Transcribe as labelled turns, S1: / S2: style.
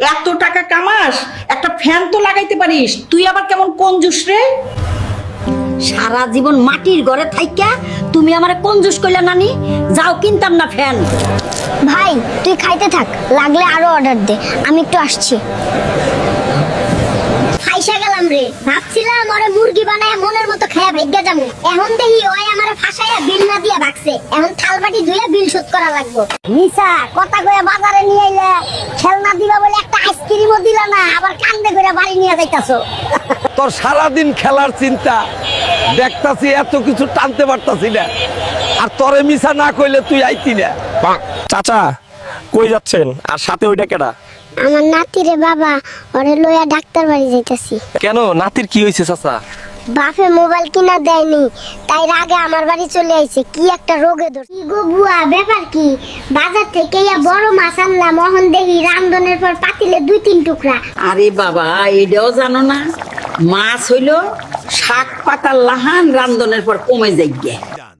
S1: এত টাকা কামাস, একটা ফ্যান তো লাগাইতে পারিস, তুই আবার কেমন কঞ্জুস রে?
S2: সারা জীবন মাটির ঘরে থাইকা তুমি আমারে কঞ্জুস কইলা নানি। যাও কিনতাম না ফ্যান।
S3: ভাই তুই খাইতে থাক, লাগলে আরো অর্ডার দে, আমি একটু আসছি। খাইসা গেলাম রে, ভাবছিলাম ওরে মুরগি বানায় মনের মতো খায়া ভাগ্যা যাবো। এখন দেখি ওই আমারে ফাঁসাইয়া বিল না দিয়া ভাগছে। এখন থালবাটি ধুইয়া বিল শোধ করা লাগবে। নিসা কথা কইয়া বাজারে নিয়ে আইলে, খেলনা দিবা বলে একটা আইসক্রিমও দিলা না, আবার কান্দে কইরা বাড়ি নিয়ে যাইতাছো।
S4: তোর সারাদিন খেলার চিন্তা, দেখতাছি এত কিছু টানতে পারতাছি না, আর তোরে মিছা না কইলে তুই আইতি না।
S5: চাচা কই যাচ্ছেন, আর সাথে ওইটা কেডা?
S3: আমার নাতিরে বাবা, ওরে লইয়া ডাক্তার বাড়ি যাইতাছি।
S5: কেন, নাতির কি হয়েছে চাচা?
S3: বাপে মোবাইল কিনা দেয়নি, তাই রাগে আমার বাড়ি চলে আইছে। কি একটা রোগে ধর। কি গো বুয়া, ব্যাপার কি? বাজার থেকে বড় মাছ আনলাম, মোহন দেখি রান্ধনের পর পাতিলে 2-3 টুকরা।
S1: আরে বাবা, এটাও জানো না? মাছ হইল শাক পাতার লাহান, রান্ধনের পর কমে যাই।